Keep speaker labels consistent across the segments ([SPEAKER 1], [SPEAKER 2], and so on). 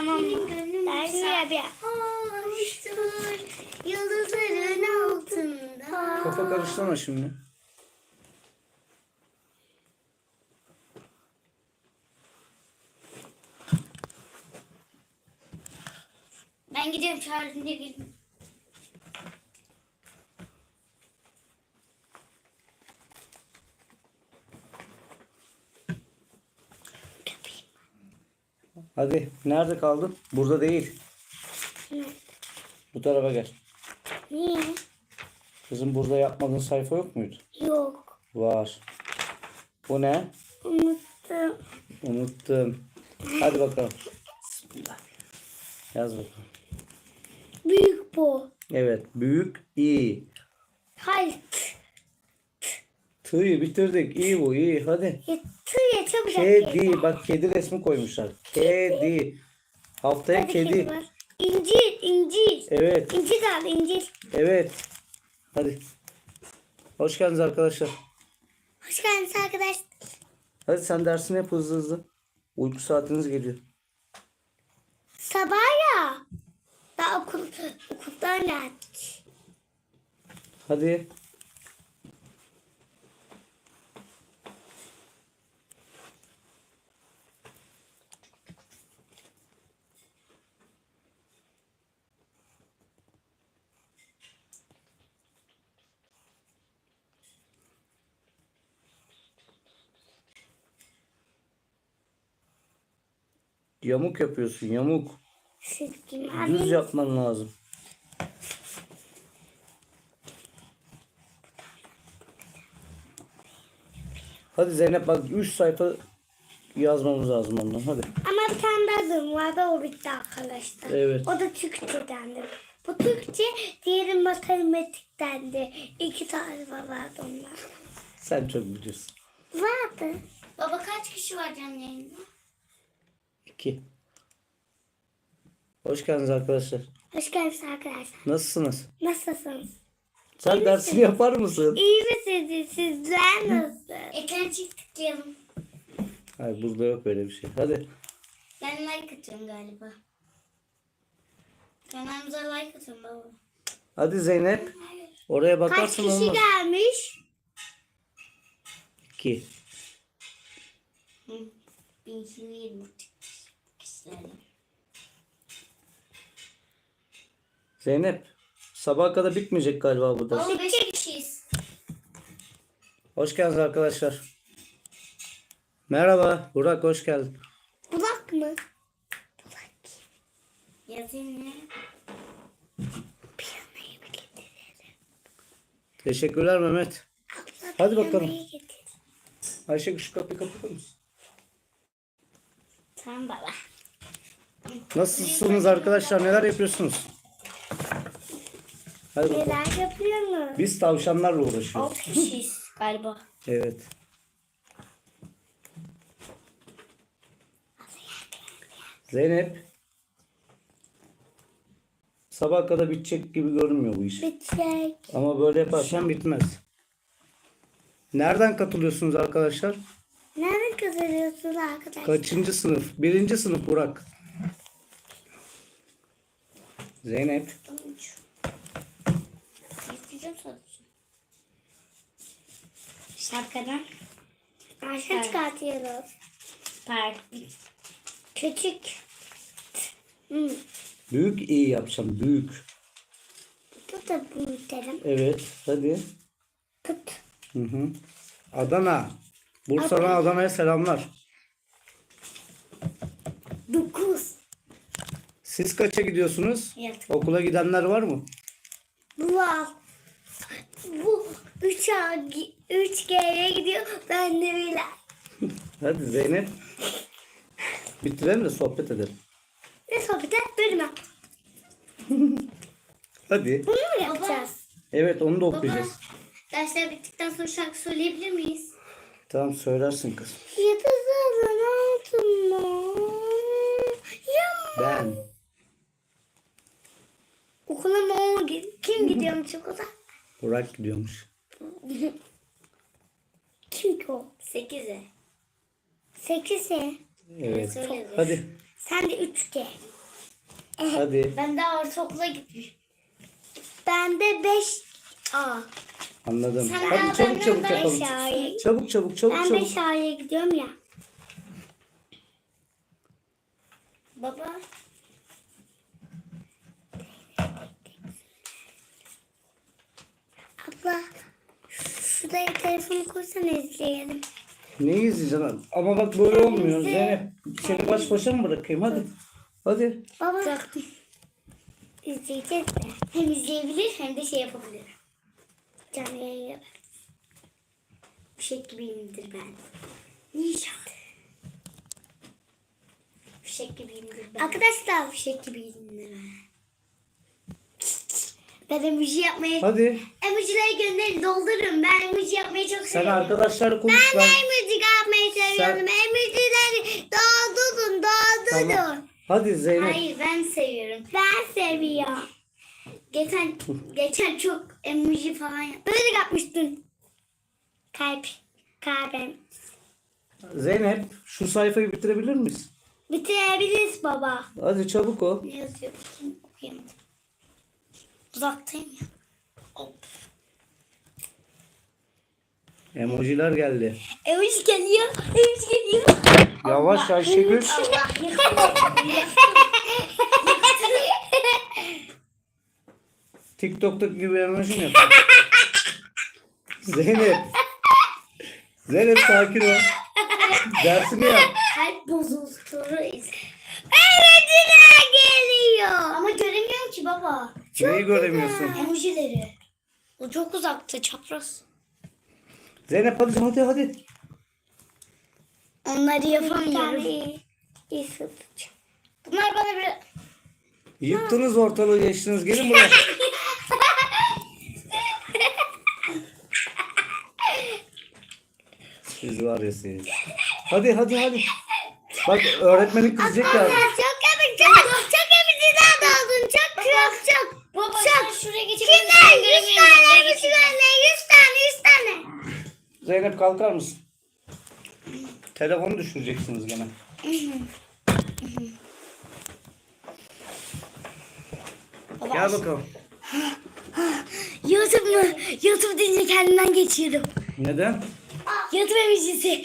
[SPEAKER 1] Tamam mı? Dergiye bir.
[SPEAKER 2] Hoştur yıldızların altında.
[SPEAKER 3] Kafa karıştırma şimdi.
[SPEAKER 1] Ben gidiyorum çağırınca gelin.
[SPEAKER 3] Hadi nerede kaldın? Burada değil. Bu tarafa gel.
[SPEAKER 1] Niye?
[SPEAKER 3] Kızım burada yapmadığın sayfa yok muydu?
[SPEAKER 1] Yok.
[SPEAKER 3] Var. Bu ne?
[SPEAKER 1] Unuttum.
[SPEAKER 3] Unuttum. Hadi bakalım. Bismillah. Yaz bakalım.
[SPEAKER 1] Büyük bu.
[SPEAKER 3] Evet. Büyük İ.
[SPEAKER 1] Hayır.
[SPEAKER 3] T'yı bitirdik. İyi bu iyi. Hadi.
[SPEAKER 1] Tüye çabucak
[SPEAKER 3] Kedi. Bak kedi resmi koymuşlar. Kedi. Haftaya kedi.
[SPEAKER 1] var. İncir, incir.
[SPEAKER 3] Evet.
[SPEAKER 1] İncir al, incir.
[SPEAKER 3] Evet. Hadi. Hoş geldiniz arkadaşlar.
[SPEAKER 1] Hoş geldiniz arkadaşlar.
[SPEAKER 3] Hadi sen dersini yap hızlı hızlı. Uyku saatiniz geliyor.
[SPEAKER 1] Sabah ya. Daha okuldan geldik.
[SPEAKER 3] Hadi. Yamuk yapıyorsun yamuk.
[SPEAKER 1] Silkim
[SPEAKER 3] Düz
[SPEAKER 1] abi.
[SPEAKER 3] yapman lazım. Hadi Zeynep bak 3 sayfa yazmamız lazım ondan hadi.
[SPEAKER 1] Ama bir tane daha durum vardı, o bitti arkadaşlar.
[SPEAKER 3] Evet.
[SPEAKER 1] O da Türkçedendi. Bu Türkçe, diğeri matematiktendi. 2 tane vardı onlar.
[SPEAKER 3] Sen çok biliyorsun.
[SPEAKER 1] Vardı. Baba kaç kişi var canlı yayında?
[SPEAKER 3] 2. Hoş geldiniz arkadaşlar.
[SPEAKER 1] Hoş geldiniz arkadaşlar.
[SPEAKER 3] Nasılsınız?
[SPEAKER 1] Nasılsınız?
[SPEAKER 3] Sen dersini yapar mısın?
[SPEAKER 1] İyi misiniz? Sizler nasıl? Ekran çift tıklayalım.
[SPEAKER 3] Hayır burada yok böyle bir şey. Hadi.
[SPEAKER 1] Ben like atıyorum galiba. Kanalımıza like atın baba.
[SPEAKER 3] Hadi Zeynep. Oraya
[SPEAKER 1] Kaç
[SPEAKER 3] bakarsın
[SPEAKER 1] kişi
[SPEAKER 3] olmaz.
[SPEAKER 1] gelmiş?
[SPEAKER 3] 2.
[SPEAKER 1] 1220 kişiler.
[SPEAKER 3] Zeynep. Sabaha kadar bitmeyecek galiba bu ders.
[SPEAKER 1] 15 kişiyiz.
[SPEAKER 3] Hoş geldiniz arkadaşlar. Merhaba. Burak hoş geldin.
[SPEAKER 1] Bulak mı? Bulak. Yazayım ne? Piyanoyu mu getirelim?
[SPEAKER 3] Teşekkürler Mehmet.
[SPEAKER 1] Abla,
[SPEAKER 3] Hadi bakalım.
[SPEAKER 1] piyanoyu getir.
[SPEAKER 3] Ayşe şu kapıyı kapatır mısın?
[SPEAKER 1] Tamam baba.
[SPEAKER 3] Nasılsınız arkadaşlar? Neler yapıyorsunuz? Hadi bakalım.
[SPEAKER 1] Neler yapıyorsunuz?
[SPEAKER 3] Biz tavşanlarla uğraşıyoruz.
[SPEAKER 1] 6 kişiyiz galiba.
[SPEAKER 3] Evet. Zeynep. Sabah kadar bitecek gibi görünmüyor bu iş.
[SPEAKER 1] Bitecek.
[SPEAKER 3] Ama böyle yaparsan bitmez. Nereden katılıyorsunuz arkadaşlar?
[SPEAKER 1] Nerede kazanıyorsunuz arkadaşlar?
[SPEAKER 3] Kaçıncı sınıf? 1. sınıf Burak. Zeynep.
[SPEAKER 1] İsteyeceğim sadece. Şapkadan. Aşağı çıkartıyoruz. Park. Küçük.
[SPEAKER 3] Büyük iyi yapacağım. Büyük.
[SPEAKER 1] Bu da büyütelim.
[SPEAKER 3] Evet. Hadi.
[SPEAKER 1] Tut.
[SPEAKER 3] Hı hı. Adana. Bursa'dan Adana'ya selamlar.
[SPEAKER 1] 9.
[SPEAKER 3] Siz kaça gidiyorsunuz?
[SPEAKER 1] Evet.
[SPEAKER 3] Okula gidenler var mı?
[SPEAKER 1] Bu al. Bu 3G'ye gidiyor. Ben de bile.
[SPEAKER 3] Hadi Zeynep. Bitirelim de sohbet edelim.
[SPEAKER 1] Ne sohbete? Bölüme.
[SPEAKER 3] Hadi.
[SPEAKER 1] Bunu mu yapacağız?
[SPEAKER 3] Evet onu da okuyacağız.
[SPEAKER 1] Dersler bittikten sonra şarkı söyleyebilir miyiz?
[SPEAKER 3] Tamam söylersin kız.
[SPEAKER 1] Yıldızların altında. Ya.
[SPEAKER 3] Ben.
[SPEAKER 1] Okula mı o kim gidiyormuş okula?
[SPEAKER 3] Burak gidiyormuş.
[SPEAKER 1] Kim ki o? 8'e. 8'e.
[SPEAKER 3] Evet.
[SPEAKER 1] Söyle.
[SPEAKER 3] Hadi.
[SPEAKER 1] Sen de 3G.
[SPEAKER 3] Hadi.
[SPEAKER 2] Ben daha ortaokula gitmiş.
[SPEAKER 1] Ben de 5A.
[SPEAKER 3] Anladım.
[SPEAKER 2] Sen
[SPEAKER 3] Hadi
[SPEAKER 2] daha
[SPEAKER 3] çabuk çabuk
[SPEAKER 2] benden
[SPEAKER 3] yapalım.
[SPEAKER 1] daha iyi.
[SPEAKER 3] Çabuk çabuk çabuk
[SPEAKER 1] Ben
[SPEAKER 3] çabuk.
[SPEAKER 1] 5A'ya gidiyorum ya.
[SPEAKER 2] Baba.
[SPEAKER 1] Abla şuraya telefonu koysana izleyelim.
[SPEAKER 3] Ne izleyeceksin? Ama bak böyle olmuyor. Zeynep seni baş başa mı bırakayım? Hadi. Hadi.
[SPEAKER 1] Baba. İzleyeceğiz de.
[SPEAKER 2] Hem izleyebilir hem de şey yapabilir.
[SPEAKER 1] Canlı yayın.
[SPEAKER 2] Fişek gibiyimdir ben. Ninja. Fişek gibiyimdir ben.
[SPEAKER 1] Arkadaşlar
[SPEAKER 2] Fişek gibiyimdir ben. Ben emoji yapmayı...
[SPEAKER 3] Hadi.
[SPEAKER 2] Emojileri gönderin, doldurun. Ben emoji yapmayı çok
[SPEAKER 3] Sen
[SPEAKER 2] seviyorum.
[SPEAKER 3] arkadaşlarla konuş.
[SPEAKER 1] ben de emoji yapmayı seviyorum. Emojileri doldurun doldurun.
[SPEAKER 3] Tamam. Hadi Zeynep.
[SPEAKER 2] Hayır, ben seviyorum.
[SPEAKER 1] Ben seviyorum.
[SPEAKER 2] Geçen çok emoji falan yaptım.
[SPEAKER 1] Böyle yapmıştın. Kalp. Kalbim.
[SPEAKER 3] Zeynep şu sayfayı bitirebilir miyiz?
[SPEAKER 1] Bitirebiliriz baba.
[SPEAKER 3] Hadi çabuk ol.
[SPEAKER 2] Ne yazıyor? Bakayım, okuyamadım. Uzaktayım ya. Hop.
[SPEAKER 3] Emojiler geldi.
[SPEAKER 1] Emoji geliyor. Emoji geliyor.
[SPEAKER 3] Yavaş Ayşegül.
[SPEAKER 2] Allah
[SPEAKER 3] TikTok'taki gibi emoji mi yapıyorsun? Zeynep. Zeynep sakin ol. Dersini yap.
[SPEAKER 2] kalp bozultuları
[SPEAKER 1] Emojiler geliyor.
[SPEAKER 2] Ama göremiyorum ki baba.
[SPEAKER 3] Neyi göremiyorsun?
[SPEAKER 2] Emojileri. O çok uzakta, çapraz.
[SPEAKER 3] Zeynep hadi hadi hadi.
[SPEAKER 2] Onları
[SPEAKER 1] Bir
[SPEAKER 2] yapamıyorum.
[SPEAKER 1] tane iyi sıvıcı.
[SPEAKER 2] Bunlar bana bir...
[SPEAKER 3] Yıktınız ortalığı geçtiniz. Gelin buraya. Siz var ya siz. Hadi hadi hadi. Bak öğretmenin kızacak ya.
[SPEAKER 1] Çok komik çok emojiler doldun. Çok.
[SPEAKER 2] Baba
[SPEAKER 1] Çok.
[SPEAKER 2] sen şuraya geçip...
[SPEAKER 1] Kimler? 100 tane 100 tane 100 tane 100 tane.
[SPEAKER 3] Zeynep kalkar mısın? Telefonu düşüreceksiniz gene. Gel bakalım.
[SPEAKER 1] YouTube mu? YouTube deyince kendimden geçiyorum.
[SPEAKER 3] Neden?
[SPEAKER 1] YouTube emojisi.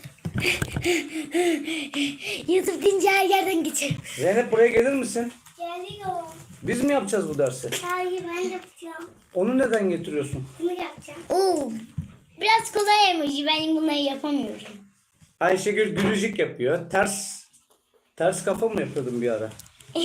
[SPEAKER 1] YouTube deyince her yerden geçiyorum.
[SPEAKER 3] Zeynep buraya gelir misin?
[SPEAKER 1] Geliyor.
[SPEAKER 3] Biz mi yapacağız bu dersi?
[SPEAKER 1] Hayır ben yapacağım.
[SPEAKER 3] Onu neden getiriyorsun?
[SPEAKER 1] Bunu yapacağım.
[SPEAKER 2] Oo. Biraz kolay emoji. Ben bunları yapamıyorum.
[SPEAKER 3] Ayşegül gülücük yapıyor. Ters kafa mı yapıyordun bir ara?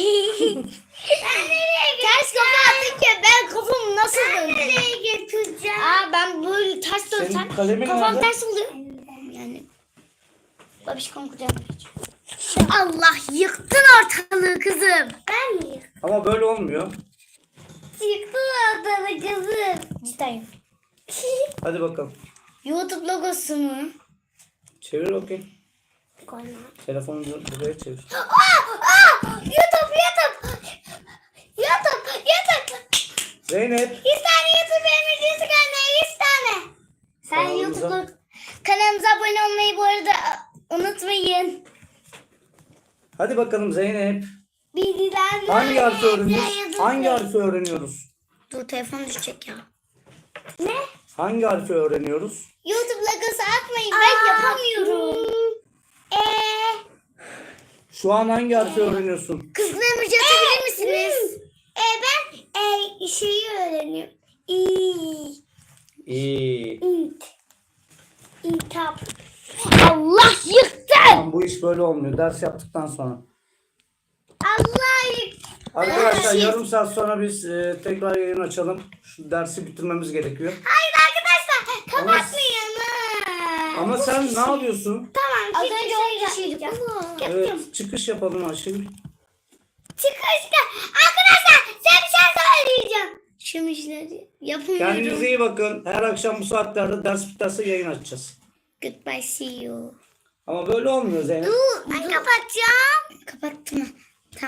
[SPEAKER 2] Ters kafa attık ben kafamı nasıl döndüm?
[SPEAKER 1] Nereye götüreceğim?
[SPEAKER 2] Ben böyle ters
[SPEAKER 3] Senin
[SPEAKER 2] dönsem
[SPEAKER 3] kalemin
[SPEAKER 2] kafam
[SPEAKER 3] nerede?
[SPEAKER 2] ters oluyor. Yani babişkom kucağıma geçiyor. Allah yıktın ortalığı kızım.
[SPEAKER 1] Ben mi yıktım?
[SPEAKER 3] Ama böyle olmuyor.
[SPEAKER 1] Yıktım ortalığı kızım.
[SPEAKER 2] Cidden.
[SPEAKER 3] Hadi bakalım.
[SPEAKER 2] YouTube logosu mu?
[SPEAKER 3] Çevir bakayım.
[SPEAKER 1] Koyma.
[SPEAKER 3] Telefonu buraya çevir.
[SPEAKER 1] YouTube.
[SPEAKER 3] Zeynep.
[SPEAKER 1] 100 tane YouTube emojisi gönder 100 tane.
[SPEAKER 2] Sen
[SPEAKER 3] Kanalımıza-
[SPEAKER 2] YouTube kanalımıza abone olmayı bu arada unutmayın.
[SPEAKER 3] Hadi bakalım Zeynep.
[SPEAKER 1] Bilgiler
[SPEAKER 3] Hangi harfi öğreniyoruz? Hangi harfi öğreniyoruz?
[SPEAKER 2] Dur telefon düşecek ya.
[SPEAKER 1] Ne?
[SPEAKER 3] Hangi harfi öğreniyoruz?
[SPEAKER 2] YouTube logosu atmayın ben yapamıyorum.
[SPEAKER 3] Şu an hangi harfi öğreniyorsun?
[SPEAKER 2] Kızgın emoji atabilir misiniz?
[SPEAKER 1] Ben şeyi öğreniyorum.
[SPEAKER 3] İyi.
[SPEAKER 1] İntap.
[SPEAKER 2] Allah yıktı.
[SPEAKER 3] Tamam, bu iş böyle olmuyor. Ders yaptıktan sonra.
[SPEAKER 1] Allah yıktı.
[SPEAKER 3] Arkadaşlar yarım saat sonra biz tekrar yayın açalım. Şu dersi bitirmemiz gerekiyor.
[SPEAKER 1] Hayır arkadaşlar kapatmayın.
[SPEAKER 3] Ama sen ne yapıyorsun?
[SPEAKER 1] Tamam.
[SPEAKER 2] Az önce 10 kişiydik.
[SPEAKER 3] Evet, çıkış yapalım Ayşegül.
[SPEAKER 1] Çıkışta. Arkadaşlar size bir şey söyleyeceğim.
[SPEAKER 2] Şu emojileri yapamıyorum.
[SPEAKER 3] Kendinize iyi bakın. Her akşam bu saatlerde ders biterse yayın açacağız.
[SPEAKER 2] Goodbye see you.
[SPEAKER 3] Ama böyle olmuyor Zeynep.
[SPEAKER 1] Ben kapatacağım.
[SPEAKER 2] Kapattım.